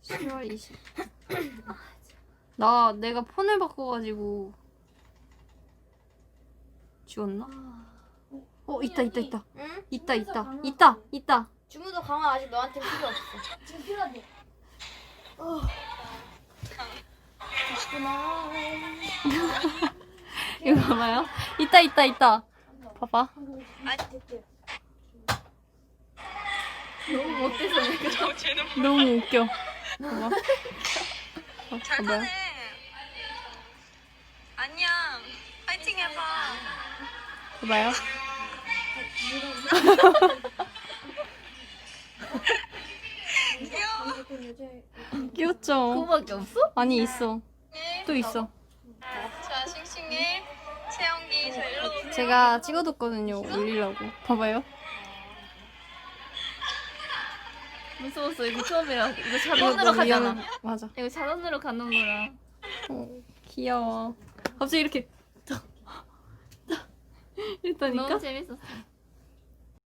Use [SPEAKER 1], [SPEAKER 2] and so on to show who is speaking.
[SPEAKER 1] 10월 20. 나 내가 폰을 바꿔가지고 지웠나? 있다.
[SPEAKER 2] 응?
[SPEAKER 1] 있다.
[SPEAKER 2] 주무도 강화 아직 너한테 필요 없어.
[SPEAKER 3] 지금 필요한데.
[SPEAKER 1] 이거 봐봐요. 있다. 봐봐.
[SPEAKER 2] 너무 못돼서 내가.
[SPEAKER 1] 너무 웃겨. 봐봐.
[SPEAKER 4] 잘
[SPEAKER 1] 봐봐요.
[SPEAKER 4] 타네. 안녕. 파이팅 해봐.
[SPEAKER 1] 봐봐요. 귀엽죠?
[SPEAKER 2] 그거밖에 없어?
[SPEAKER 1] 아니 있어. 또 있어.
[SPEAKER 4] 자, 싱싱해. 채영기, 저 일로 오세요.
[SPEAKER 1] 제가 찍어뒀거든요. 올리려고. 봐봐요.
[SPEAKER 2] 무서웠어. 이거 처음이라. 이거
[SPEAKER 1] 이거
[SPEAKER 2] 자동으로
[SPEAKER 1] 너무
[SPEAKER 2] 가잖아.
[SPEAKER 1] 위험해. 맞아.
[SPEAKER 2] 이거 자동으로 가는 거라.
[SPEAKER 1] 귀여워. 갑자기 이렇게 이랬다니까?
[SPEAKER 2] 너무 재밌었어.